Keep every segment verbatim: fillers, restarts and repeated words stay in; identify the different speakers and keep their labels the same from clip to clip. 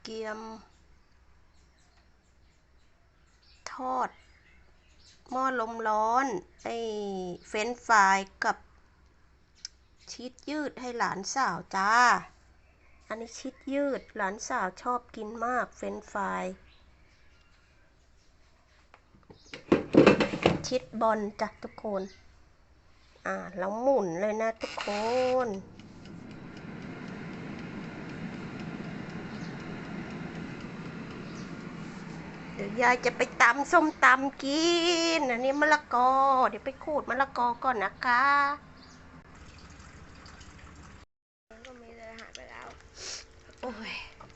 Speaker 1: เกียมทอดหม้อลมร้อนไอ้เฟรนช์ฟรายกับชีสยืดให้หลานสาวจ้าอันนี้ชีสยืดหลานสาวชอบกินมากเฟรนช์ฟรายชีสบอลจ้ะทุกคนอ่าแล้วหมุนเลยนะทุกคนเดี๋ยวยายจะไปตำส้มตำกินอันนี้มะละกอเดี๋ยวไปขูดมะละกอก่อนนะคะ
Speaker 2: ก็มีเลยหายไปแล้ว
Speaker 1: โอ้ย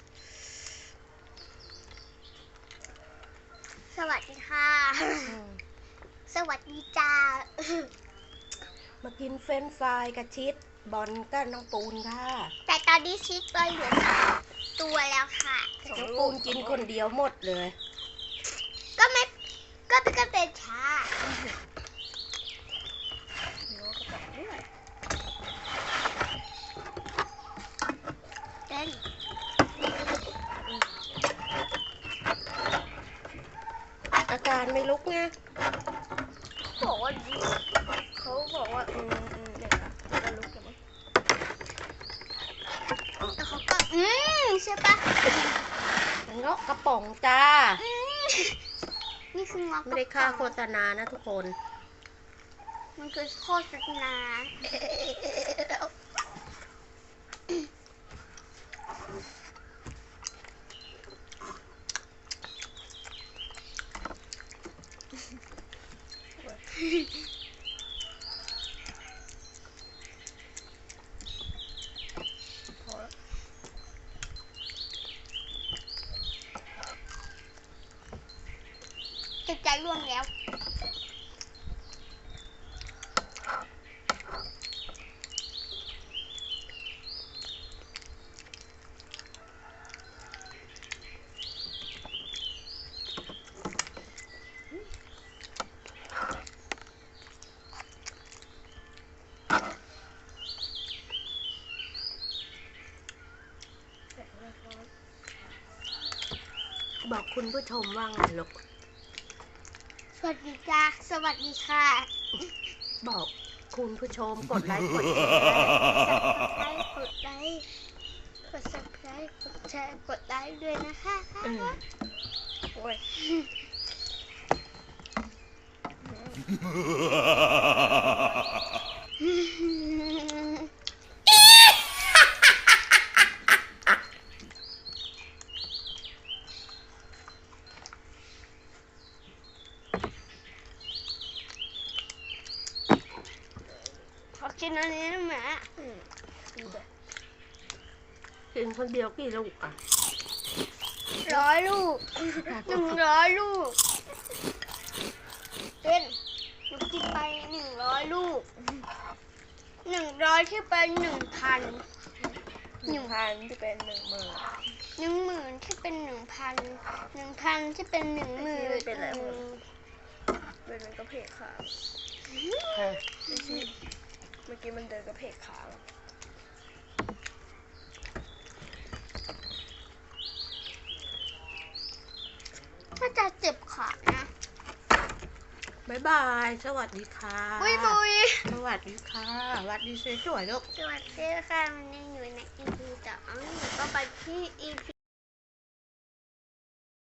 Speaker 2: สวัสดีค่ะสวัสดีจ้า
Speaker 1: มากินเฟรนช์ฟรายกับชีสบอลกับน้องปูนค่ะ
Speaker 2: แต่ตอนนี้ชีสตัวเหลือตัวแล้วค่ะ
Speaker 1: น้องปูนกินคนเดียวหมดเลย
Speaker 2: ก็ไม่ก็เป็นกระเป็นช้าเต้น
Speaker 1: อาการไม่ลุกไง
Speaker 2: บอกว่าเขาบอกว่าอืมอืมเดี๋ยวนะจะลุกกันไหมแล้วเขาก็อืมใช่ปะ
Speaker 1: เงาะกระป๋องจ้า
Speaker 2: นี่คือเงาะ
Speaker 1: ไม่ได้ค่าโฆษณานะทุกคน
Speaker 2: มันคือโฆษณาจิตใจร่วงแล้ว
Speaker 1: บอกคุณผู้ชมว่าไงลูก
Speaker 2: สวัสดีจ้าสวัสดีค่ะ
Speaker 1: บอกคุณผู้ชมกดไลค์กดแชร์
Speaker 2: กดไลค์กด subscribe กดแชร์กดไลค์ด้วยนะคะโอ้ยขอกินอันนี้นะแม่
Speaker 1: กินคนเดียวกี่ลูกอ่ะ
Speaker 2: ร้อยลูกหนึ่งร้อยลูกเป็นหนูกินไปหนึ่งร้อยลูกหนึ่งร้อยที่เป็นหนึ่งพัน
Speaker 3: หนึ่งพันที่เป็นหนึ่งหมื่น
Speaker 2: หนึ่งหมื่นที่เป็นหนึ่งพันหนึ่งพันที่เป็นหนึ่งหมื่น
Speaker 3: เป็นอะไรเป็นมันก็เพกขาเมื่อกี้มันเดินกระเพกขา
Speaker 2: ถ้าจะเจ็บขานะ
Speaker 1: บ๊ายบายสวัสดีค่ะ
Speaker 2: บุยบุย
Speaker 1: สวัสดีค่ะสวัสดีสวยๆลูก
Speaker 2: สวัสดีค่ะวันนี้อยู่ใน อี พี สองก็ไปที่ อี พี